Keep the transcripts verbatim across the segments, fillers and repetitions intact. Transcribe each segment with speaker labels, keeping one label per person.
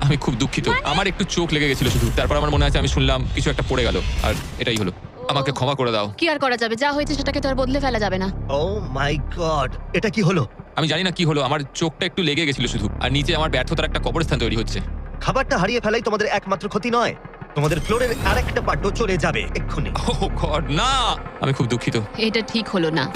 Speaker 1: আমি খুব দুঃখিত, আমার একটু চোখ লেগে গেছিল শুধু। তারপর আমার মনে আছে আমি শুনলাম কিছু একটা পড়ে গেল, আর এটাই হলো। আমাকে ক্ষমা করে দাও।
Speaker 2: কি আর করা যাবে, যা হয়েছে সেটাকে তো আর বদলে ফেলা যাবে না।
Speaker 3: ও মাই গড, এটা কি হলো?
Speaker 1: আমি জানি না কি হলো, আমার চোখটা একটু লেগে গেছিল শুধু, আর নিচে আমার ব্যর্থতার একটা কবরস্থান তৈরি হচ্ছে।
Speaker 3: খাবারটা হারিয়ে ফেলাই তোমাদের একমাত্র ক্ষতি নয়, তোমাদের ফ্লোরের আরেকটা পার্টও চলে যাবে এক্ষুনি।
Speaker 1: ও গড, না! আমি খুব দুঃখিত।
Speaker 2: এটা ঠিক হলো না।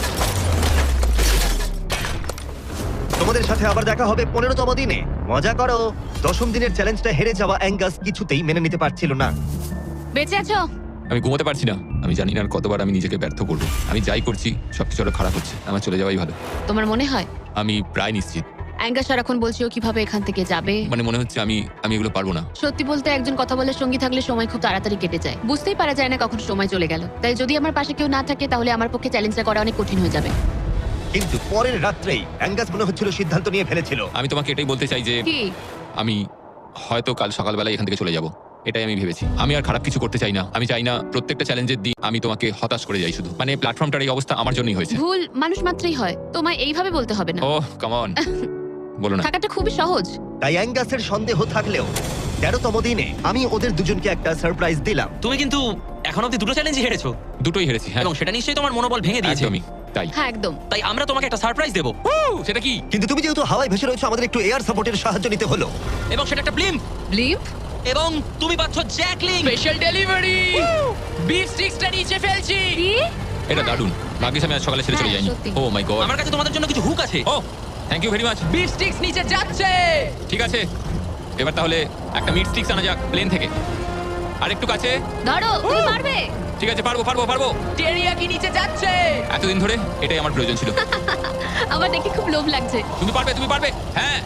Speaker 3: তোমাদের সাথে আবার দেখা হবে পনেরোতম দিনে। মজা করো। দশম দিনের চ্যালেঞ্জটা হেরে যাওয়া অ্যাঙ্গাস কিছুতেই মেনে নিতে পারছিল না।
Speaker 2: বেঁচে আছো?
Speaker 1: আমি ঘুমোতে পারছি না। আমি জানি না আর কতবার আমি নিজেকে ব্যর্থ করবো। আমি যাই করছি সবকিছু আরো খারাপ হচ্ছে। আমার চলে যাওয়াই ভালো।
Speaker 2: তোমার মনে হয়?
Speaker 1: আমি প্রায় নিশ্চিত।
Speaker 2: অ্যাঙ্গাস সারাক্ষণ বলছি ও কিভাবে এখান থেকে যাবে।
Speaker 1: মানে মনে হচ্ছে আমি আমি এগুলো পারবো না।
Speaker 2: সত্যি বলতে একজন কথা বলে সঙ্গী থাকলে সময় খুব তাড়াতাড়ি কেটে যায়, বুঝতেই পারা যায় না কখন সময় চলে গেল। তাই যদি আমার পাশে কেউ না থাকে তাহলে আমার পক্ষে চ্যালেঞ্জটা করা অনেক কঠিন হয়ে যাবে।
Speaker 3: কিন্তু পরের রাত্রেই অ্যাঙ্গাস মনে হচ্ছিল সিদ্ধান্ত নিয়ে ফেলেছিল।
Speaker 1: আমি তোমাকে এটাই বলতে চাই যে
Speaker 2: কি?
Speaker 1: আমি হয়তো কাল সকালবেলা এখান থেকে চলে যাব। এটাই আমি ভেবেছি। আমি আর খারাপ কিছু করতে চাই না। আমি চাই না প্রত্যেকটা চ্যালেঞ্জের দিন আমি তোমাকে হতাশ করে যাই শুধু। মানে প্ল্যাটফর্মটার এই অবস্থা আমার জন্যই হয়েছে।
Speaker 2: ভুল মানুষ মাত্রই হয়, তোমায় এইভাবে বলতে হবে না।
Speaker 1: ও কাম অন, বলো না।
Speaker 2: থাকাটা খুবই সহজ।
Speaker 3: তাই অ্যাঙ্গাসের সন্দেহ থাকলেও তেরোতম দিনে আমি ওদের দুজনকে একটা সারপ্রাইজ দিলাম।
Speaker 4: তুমি কিন্তু এখন অব্দি দুটো চ্যালেঞ্জই হেরেছো,
Speaker 1: দুটোই হেরেছি, হ্যাঁ।
Speaker 4: এবং সেটা নিশ্চয়ই তোমার মনোবল ভেঙে দিয়েছে।
Speaker 1: একদমই তাই।
Speaker 2: হ্যাঁ একদম।
Speaker 4: তাই আমরা তোমাকে একটা সারপ্রাইজ দেবো,
Speaker 1: সেটা কি?
Speaker 3: কিন্তু তুমি যেহেতু হাওয়ায় ভেসে রয়েছো, আমাদের একটু এয়ার সাপোর্টের সাহায্য নিতে হলো।
Speaker 4: এবং সেটা একটা ব্লিম্প,
Speaker 2: ব্লিম্প?
Speaker 4: এবং তুমি পাচ্ছ জ্যাকলিং।
Speaker 5: স্পেশাল ডেলিভারি, বিফ স্টিক্সটা নিচে ফেলছি।
Speaker 2: কি?
Speaker 1: এটা দারুণ। ভাগ্যিস আমি আজ সকালে ছেড়ে চলে
Speaker 2: হ্যাঁ,
Speaker 1: যাইনি।
Speaker 2: সত্যি।
Speaker 1: Oh my god.
Speaker 4: আমার কাছে তোমাদের জন্য কিছু হুক আছে।
Speaker 1: Oh thank you very much.
Speaker 5: Beef sticks নিচে যাচ্ছে।
Speaker 1: ঠিক আছে, এবার তাহলে একটা মিট স্টিক্স আনা যাক প্লেন থেকে। আর একটু কাছে।
Speaker 2: ধরো, তুমি পারবে।
Speaker 1: ঠিক আছে, পারবো পারবো পারবো।
Speaker 5: টেরিয়াকি নিচে যাচ্ছে।
Speaker 1: এতদিন ধরে এটাই আমার প্রয়োজন ছিল।
Speaker 2: আমার দেখে খুব লোভ লাগছে।
Speaker 1: তুমি পারবে, তুমি পারবে। হ্যাঁ,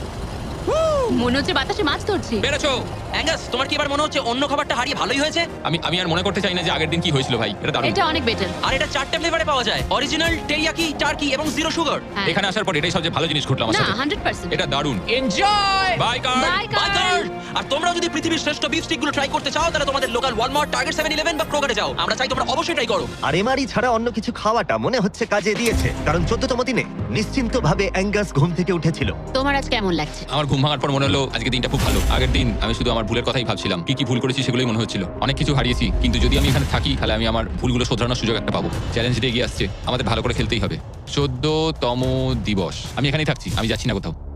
Speaker 2: মনে হচ্ছে বাতাসে মাছ ধরছি।
Speaker 1: পেরেছো।
Speaker 4: অ্যাঙ্গাস, তোমার কি এবার মনে হচ্ছে অন্য খাবারটা হারিয়ে ভালোই হয়েছে?
Speaker 1: আমি আমি আর মনে করতে চাই না যে আগের দিন কি হয়েছিল ভাই। এটা দারুণ।
Speaker 2: এটা অনেক বেটার।
Speaker 4: আর এটা চারটে ফ্লেভারে পাওয়া যায়, অরিজিনাল, টেরিয়াকি, টার্কি এবং জিরো সুগার।
Speaker 2: হ্যাঁ।
Speaker 1: এখানে আসার পর এটাই সবচেয়ে ভালো জিনিস ঘটলো আমার
Speaker 2: না,
Speaker 1: সাথে।
Speaker 2: Hundred percent.
Speaker 1: এটা দারুণ।
Speaker 5: Enjoy.
Speaker 1: Bye car.
Speaker 2: Bye
Speaker 4: bye car. আর তোমরা যদি পৃথিবীর শ্রেষ্ঠ বিফ স্টিকগুলো ট্রাই করতে চাও, তাহলে তোমাদের local Walmart, Target, seven eleven বা ক্রোগারে যাও। আমরা চাই তোমরা অবশ্যই ট্রাই করো।
Speaker 3: আর এমআরই ছাড়া অন্য কিছু খাওয়াটা মনে হচ্ছে কাজে দিয়েছে, কারণ চোদ্দতম দিনে নিশ্চিন্ত ভাবে অ্যাঙ্গাস ঘুম থেকে উঠেছিল।
Speaker 2: তোমার আজ কেমন লাগছে?
Speaker 1: আমার ঘুম ভাঙার পর মনে হলো আজকে দিনটা খুব ভালো। আগের দিন আমি শুধু আমার ভুলের কথাই ভাবছিলাম, কি কি ভুল করেছি সেগুলোই মনে হচ্ছিল। অনেক কিছু হারিয়েছি, কিন্তু যদি আমি এখানে থাকি তাহলে আমি আমার ভুলগুলো শোধরানোর সুযোগ একটা পাবো। চ্যালেঞ্জটা এগিয়ে আসছে, আমাদের ভালো করে খেলতেই হবে। চোদ্দতম দিবস। আমি এখানেই থাকছি, আমি যাচ্ছি না কোথাও।